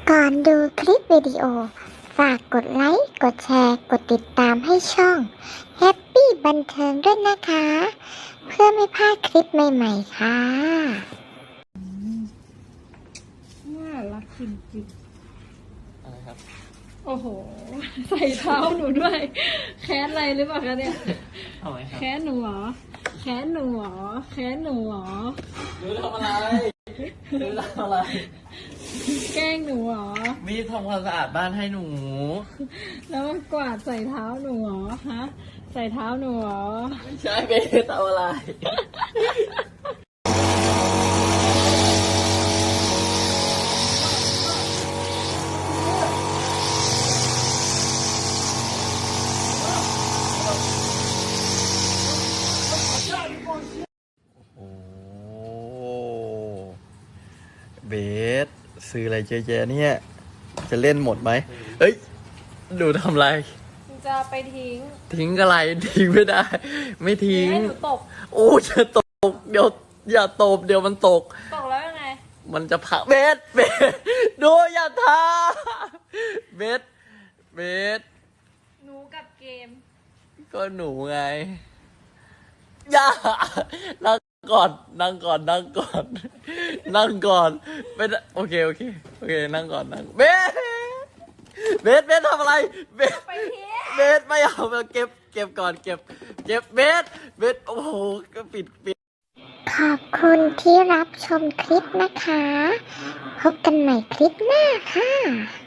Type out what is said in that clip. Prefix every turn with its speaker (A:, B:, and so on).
A: ก่อนดูคลิปวิดีโอฝากกดไลค์ กดแชร์ กดติดตามให้ช่อง Happy บันเทิงด้วยนะคะ เพื่อไม่พลาดคลิปใหม่ๆค่ะ
B: น่ารักจริง
C: อะไรครับ
B: ๆโอ้โห ใส่เท้าหนูด้วย แค้นอะไรหรือเปล่าคะเนี่ย
C: ทำไมครับ
B: แค้นหนูเหรอ แค้นหนูเหรอ แค้นหนูเหรอ
C: หนูทำอะไรหนูทำอะไร
B: แกล้งหนูเหรอ
C: มีทำความสะอาดบ้านให้หนู
B: แล้วมันกวาดใส่เท้าหนูเหรอ ฮะ ใส่เท้าหนูเหรอ
C: ไม่ใช่เบสทำอะไร โอ้เบสซื้ออะไรเยอะแยะเนี่ย จะเล่นหมดไหมเอ้ยหนูทำอะไร
B: จะไปทิ้ง
C: ทิ้งอะไรทิ้งไม่ได้ ไม่ทิ้ง
B: ให้หนูตก
C: โอ้จะตก เดี๋ยวอย่าตบเดี๋ยวมันตก
B: ตกแล้วยังไง
C: มันจะพักเบสดูอย่าทาเบสเบส
B: หนูกับเกม
C: ก็หนูไงอย่านั่งก่อนนั่งก่อนนั่งก่อนนั่งก่อนเป็นโอเคโอเคโอเคนั่งก่อนนั่งเบสทำอะไรเบส
B: ไปทิ้ง
C: เบสไม่เอาเก็บก่อนเก็บเบสโอ้โหก็ปิด
A: ขอบคุณที่รับชมคลิปนะคะ พบกันใหม่คลิปหน้าค่ะ